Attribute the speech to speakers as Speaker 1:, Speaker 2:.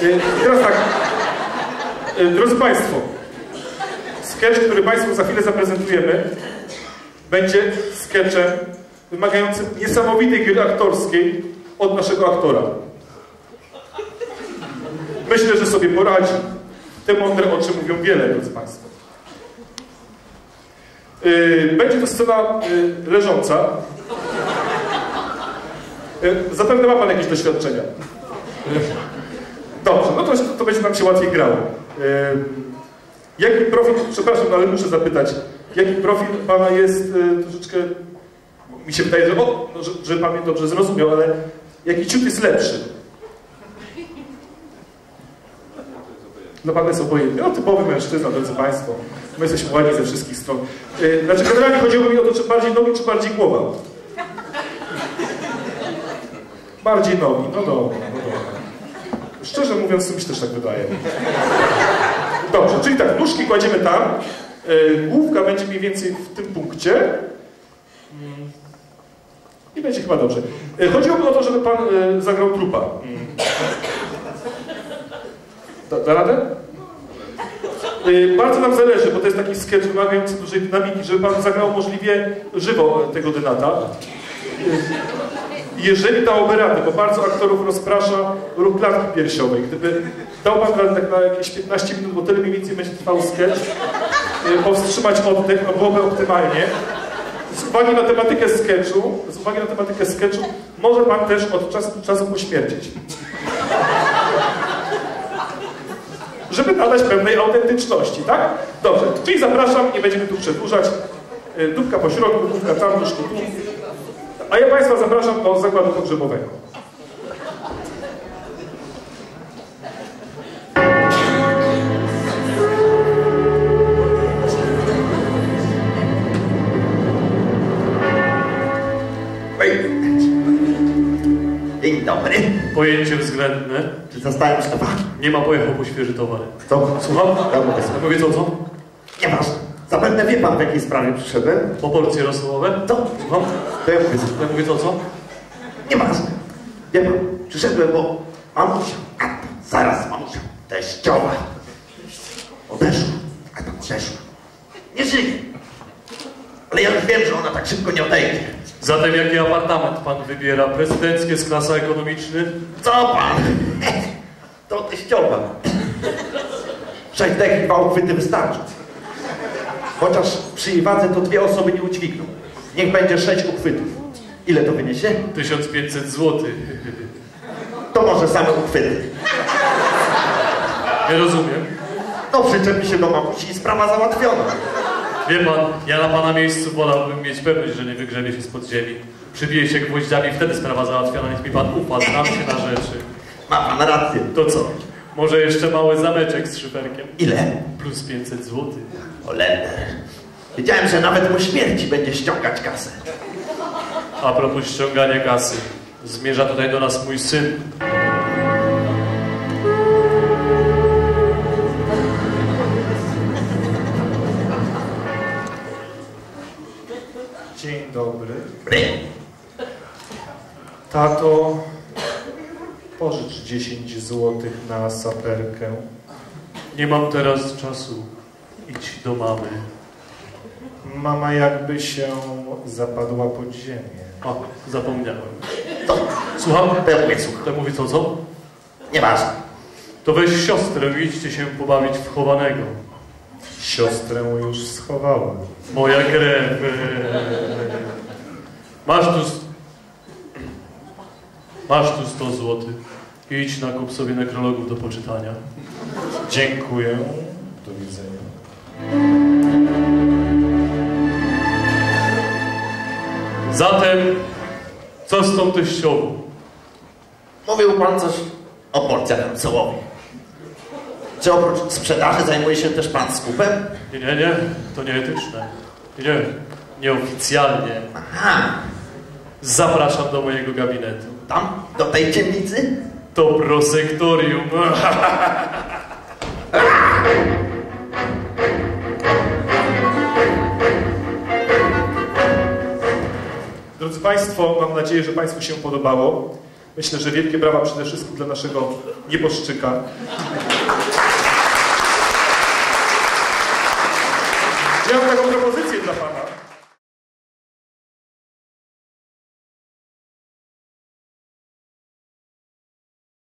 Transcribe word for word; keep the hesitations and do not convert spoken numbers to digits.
Speaker 1: Yy, teraz tak, yy, drodzy Państwo, sketch, który Państwu za chwilę zaprezentujemy, będzie sketchem wymagającym niesamowitej gry aktorskiej od naszego aktora. Myślę, że sobie poradzi. Te mądre oczy mówią wiele, drodzy Państwo. Yy, będzie to scena yy, leżąca. Yy, zapewne ma Pan jakieś doświadczenia. Yy, dobrze, no to, to będzie nam się łatwiej grało. Yy, jaki profil, przepraszam, no ale muszę zapytać, jaki profil Pana jest yy, troszeczkę, mi się wydaje, że, o, no, że, że Pan mnie dobrze zrozumiał, ale jaki ciut jest lepszy? Dla Pana jest obojętny. No typowy mężczyzna, drodzy Państwo. My jesteśmy ładni ze wszystkich stron. Yy, znaczy generalnie chodziło mi o to, czy bardziej nogi, czy bardziej głowa. Bardziej nogi, no dobra, no dobra. Szczerze mówiąc, mi się też tak wydaje. Dobrze, czyli tak, nóżki kładziemy tam. Yy, główka będzie mniej więcej w tym punkcie. Yy. I będzie chyba dobrze. Yy, chodziłoby o to, żeby Pan yy, zagrał trupa. Yy. Da, da radę? Yy, bardzo nam zależy, bo to jest taki sketch wymagający dużej dynamiki, żeby Pan zagrał możliwie żywo tego dynata. Yy, jeżeli dałoby radę, bo bardzo aktorów rozprasza ruch klatki piersiowej. Gdyby dał Pan radę tak na jakieś piętnaście minut, bo tyle mniej więcej będzie trwał sketch, yy, powstrzymać oddech, no byłoby optymalnie. Z uwagi na tematykę sketchu, z uwagi na tematykę sketchu, może Pan też od czasu do czasu pośmierdzieć. Żeby nadać pewnej autentyczności, tak? Dobrze, czyli zapraszam, nie będziemy tu przedłużać. Dupka po środku, dupka tam, nóżku tu. A ja Państwa zapraszam do zakładu pogrzebowego.
Speaker 2: Dzień dobry.
Speaker 3: Pojęcie względne.
Speaker 2: Czy zostałem szefem?
Speaker 3: Nie ma, pojechał po świeży towar.
Speaker 2: Co?
Speaker 3: Słucham?
Speaker 2: Ja mówię,
Speaker 3: Ja mówię co, co?
Speaker 2: nie masz. Zapewne wie Pan, w jakiej sprawie przyszedłem.
Speaker 3: Po porcje rosołowe?
Speaker 2: Co?
Speaker 3: Słucham?
Speaker 2: To ja mówię,
Speaker 3: Ja mówię co, co?
Speaker 2: nie masz. Wie Pan, przyszedłem, bo mamusia, a tam, zaraz mamusia, teściowa. Odeszła, a tam odeszła. Nie żyje. Ale ja już wiem, że ona tak szybko nie odejdzie.
Speaker 3: Zatem jaki apartament Pan wybiera? Prezydenckie z klasa ekonomiczny?
Speaker 2: Co Pan? To teściowa. Sześć dech i dwa uchwyty wystarczy. Chociaż przy jej wadze to dwie osoby nie udźwigną. Niech będzie sześć uchwytów. Ile to wyniesie?
Speaker 3: tysiąc pięćset złotych.
Speaker 2: To może same uchwyty.
Speaker 3: Nie rozumiem.
Speaker 2: No przyczepi się do mamusi i sprawa załatwiona.
Speaker 3: Wie Pan, ja na Pana miejscu wolałbym mieć pewność, że nie wygrzebie się spod ziemi. Przybije się gwoździami, wtedy sprawa załatwiona. Niech mi Pan ufa, znam się na rzeczy.
Speaker 2: Ma Pan rację.
Speaker 3: To co? Może jeszcze mały zameczek z szyferkiem?
Speaker 2: Ile?
Speaker 3: Plus pięćset złotych.
Speaker 2: Olender. Wiedziałem, że nawet po śmierci będzie ściągać kasę.
Speaker 3: A propos ściągania kasy. Zmierza tutaj do nas mój syn.
Speaker 1: Dzień dobry.
Speaker 2: Bry.
Speaker 1: Tato, pożycz dziesięć złotych na saperkę.
Speaker 3: Nie mam teraz czasu. Idź do mamy.
Speaker 1: Mama jakby się zapadła pod ziemię.
Speaker 3: A, zapomniałem.
Speaker 2: To,
Speaker 3: Słucham?
Speaker 2: to ja mówię, słucham.
Speaker 3: To mówi co, co?
Speaker 2: Nieważne.
Speaker 3: To weź siostrę i idźcie się pobawić w chowanego.
Speaker 1: Siostrę już schowałem.
Speaker 3: Moja krew. Masz tu... Masz tu sto złotych. Idź nakup sobie nekrologów do poczytania.
Speaker 1: Dziękuję. Do widzenia.
Speaker 3: Zatem, co z tą teściową?
Speaker 2: Mówił Pan coś o porcjach rosołowych. Czy oprócz sprzedaży zajmuje się też Pan skupem?
Speaker 3: Nie, nie, nie. To nieetyczne. Nie, nie. Nieoficjalnie.
Speaker 2: Aha.
Speaker 3: Zapraszam do mojego gabinetu.
Speaker 2: Tam? Do tej ciemnicy?
Speaker 3: To prosektorium.
Speaker 1: Drodzy Państwo, mam nadzieję, że Państwu się podobało. Myślę, że wielkie brawa przede wszystkim dla naszego nieboszczyka. Ja mam taką propozycję dla pana.